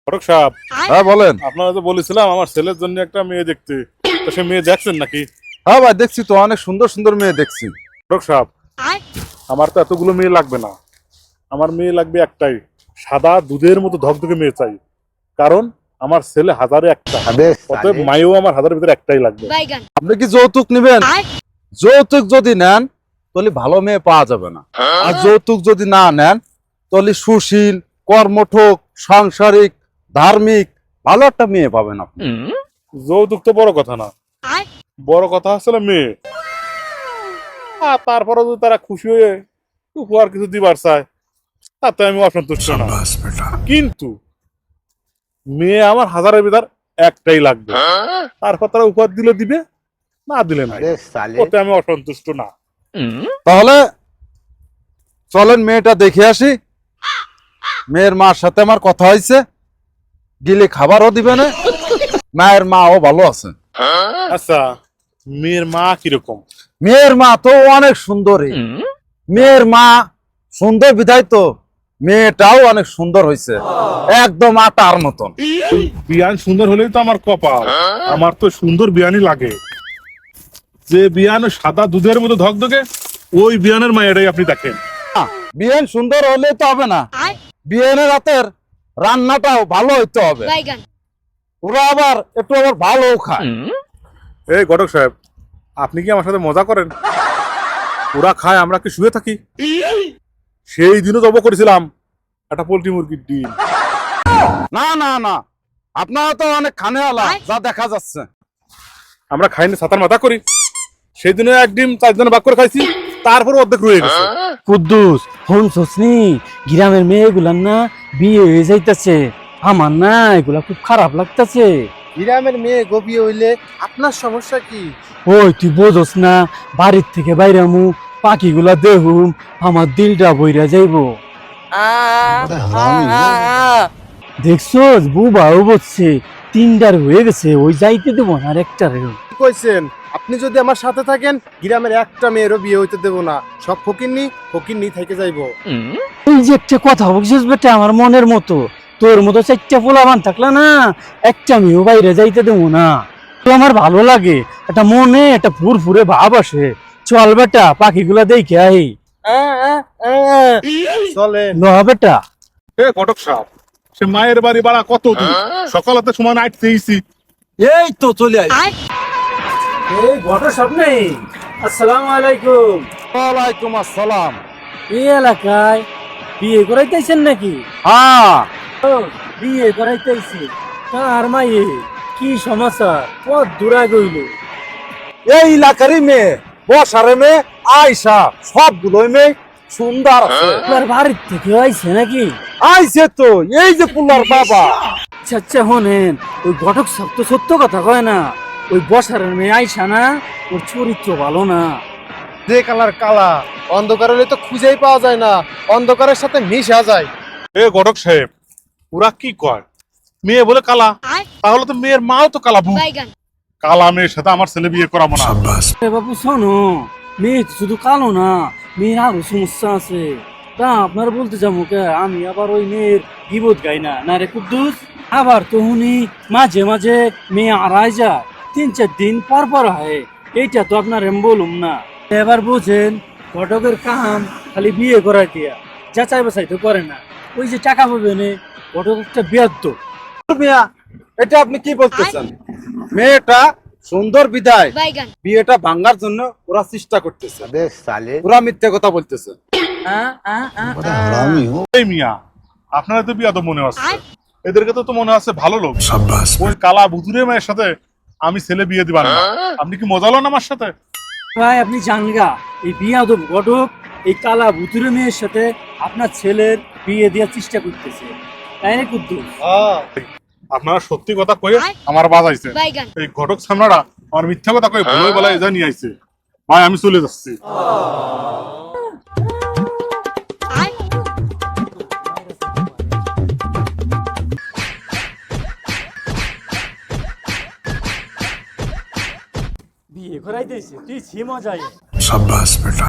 ফটক সাহেব, হ্যাঁ বলেন। আপনারা তো বলেছিলাম আমার ছেলের জন্য একটা মেয়ে দেখতে, তো সে মেয়ে দেখছেন নাকি? হ্যাঁ ভাই দেখছি তো, অনেক সুন্দর সুন্দর মেয়ে দেখছি। ফটক সাহেব, আমার তো এতগুলো মেয়ে লাগবে না, আমার মেয়ে লাগবে একটাই, সাদা দুধের মতো ধকধকে মেয়ে চাই। কারণ আমার ছেলে হাজারে একটা, অতএব মায়েও আমার হাজারের ভিতরে একটাই লাগবে। আপনি কি যৌতুক নেবেন? যৌতুক যদি নেন তাহলে ভালো মেয়ে পাওয়া যাবে না, আর যৌতুক যদি না নেন তাহলে সুশীল, কর্মঠক, সাংসারিক, ধার্মিক ভালো একটা মেয়ে পাবেন আপনি। যৌতুক তো বড় কথা না, বড় কথা আসলে মেয়ে। আর তারপরে যদি তারা খুশি হয়ে উপহার কিছু দিবার চায় তাতে আমি অসন্তুষ্ট না, কিন্তু মেয়ে আমার হাজারের ভিতর একটাই লাগবে। তারপর তারা উপহার দিলে দিবে, না দিলে না, ওতে আমি অসন্তুষ্ট না। তাহলে চলেন মেয়েটা দেখে আসি। মেয়ের মার সাথে আমার কথা হয়েছে, গিলে খাবারও দিবে না, মায়ের মাও ভালো আছে। আচ্ছা, মেয়ের মা কিরকম? মেয়ের মা তো অনেক সুন্দরী, মেয়ের মা সুন্দর বিধায় তো মেয়েটাও অনেক সুন্দর হয়েছে, একদম আটার মতন। বিয়ান সুন্দর হলেই তো আমার কপাল, আমার তো সুন্দর বিয়ানই লাগে। যে বিয়ান সাদা দুধের মতো ধকধকে, ওই বিয়ানের মায়েরাই আপনি দেখেন। বিয়েন সুন্দর হলে তো হবে না, বিয়েনের রাতের রান্নাটাও ভালো হইতে হবে, ওরা আবার একটু আবার ভালো খায়। এই ঘটক সাহেব, আপনি কি আমার সাথে মজা করেন? ওরা খায়, আমরা কি শুয়ে থাকি? সেই দিনও জব করেছিলাম একটা পোল্ট্রি মুরগির ডিম। না না না, আপনারা তো অনেক খানেওয়ালা যা দেখা যাচ্ছে। আমরা খাইনি, ছাতার মাথা করি। সেই দিনে এক ডিম 4 জনে ভাগ করে খাইছি, তারপর অর্ধেক রয়ে গেছে। কুদ্দুস হন সসনি, গ্রামের মেয়েগুলার না বিয়ে হয়ে যাইতাছে, আমার না এগুলা খুব খারাপ লাগতাছে। গ্রামের মেয়ে গবি হইলে আপনার সমস্যা কি? ওই তুই বোঝস না, বাড়ির থেকে বাইরামু পাখিগুলা দেহুম, আমার দিলটা বইরা যাইবো। দেখছস বুবাও বলছে, 3টার হয়ে গেছে, ওই যাইতে দেবো না আর একটারেও। কি কইছেন? আপনি যদি আমার সাথে থাকেন গ্রামের একটা মেয়েরও বিয়ে হইতে দেব না, সব ফকিন্নি থেকে যাইবো। তুই যে একটা কথা বলছিস বেটা আমার মনের মতো, তোর মতো 4টা পোলাপান থাকলে না একটা মেয়েও বাইরে যাইতে দেবো না। তো আমার ভালো লাগে, একটা মনে একটা ফুরফুরে ভাব আসে। চল বেটা পাখিগুলা দেখে আই। চলেন। ল বেটা। এ ঘটক সাহেব, সে মায়ের বাড়ি বাড়া কত দূর, সকালতে সময় নাইট দিয়েছি। এই তো চলে আই। এই ঘটক সাহেব নেই, আসসালামু আলাইকুম। ওয়ালাইকুম আসসালাম। এই এলাকায় বিয়ে করাইতেছেন নাকি? হ্যাঁ, ও, বিয়ে করাইতেছি। কার মাইয়ে, কি সমাচার, কত দূরা গইল? এই এলাকারই মেয়ে, বসারে মেয়ে, আয়সা, সবগুলোই মেয়ে সুন্দর আছে। আপনার বাড়ির থেকে আইছে নাকি? আইছে তো, এই যে পুলার বাবা। আচ্ছা আচ্ছা হনেন, ওই ঘটক সব তো সত্য কথা কয় না, ওই বসারের মেয়ে আইসা না, ওর চরিত্র ভালো না। যে কালার কালা, অন্ধকার হলে তো খুঁজেই পাওয়া যায় না, অন্ধকারের সাথে মিশা যায়। এ ঘটক সাহেব, ওরা কি কয় মেয়ে বলে কালা, তাহলে তো মেয়ের মাও তো কালা। কালা মেয়ের সাথে আমার ছেলে বিয়ে করাবো না। এ বাবু শোনো, মেয়ে তো শুধু কালো না, মেয়ের আরো সমস্যা আছে। তা আপনার বলতে যাবো কে, আমি আবার ওই মেয়ের গিবত গাই না, না রে কুদ্দুস। আবার তো উনি মাঝে মাঝে মেয়ে আড়াই যায়, 3-4 দিন পর পর হয়, এইটা তো আপনার আমি বলুম না। এবার বুঝেন, ঘটকের কাম খালি বিয়ে করাই দিয়া যাচাই বাছাই তো করে না, ওই যে টাকা পাবে নে, ঘটক একটা বেয়াদ্দ। মিয়া, এটা আপনি কি বলতেছেন? মেয়েটা সুন্দর বিদায় বিয়েটা ভাঙার জন্য ওরা চেষ্টা করতেছে, ওরা মিথ্যে কথা বলতেছে। এই মিয়া, আপনারা তো বিয়াদব মনে হচ্ছে, এদেরকে তো মনে আছে ভালো লোক। ওই কালা ভুতুরে মেয়ের সাথে আমি ছেলে বিয়ে দিবার না। আপনি কি মজা লন আমার সাথে? ভাই আপনি জানগা, এই বিয়াদব ঘটক এই কালা ভুতুরে মেয়ের সাথে আপনার ছেলের বিয়ে দেওয়ার চেষ্টা করতেছে, তাই না কুদ্দুস? আপনারা সত্যি কথা কয়ে আমার বাজাইছে, এই ঘটক সামনারা আমার মিথ্যা কথা কয়ে ভুলে বেলায় এজা নিয়ে আইছে। ভাই আমি চলে যাচ্ছি। বিয়ে করাই দিয়েছে, তুই ছি মজায়।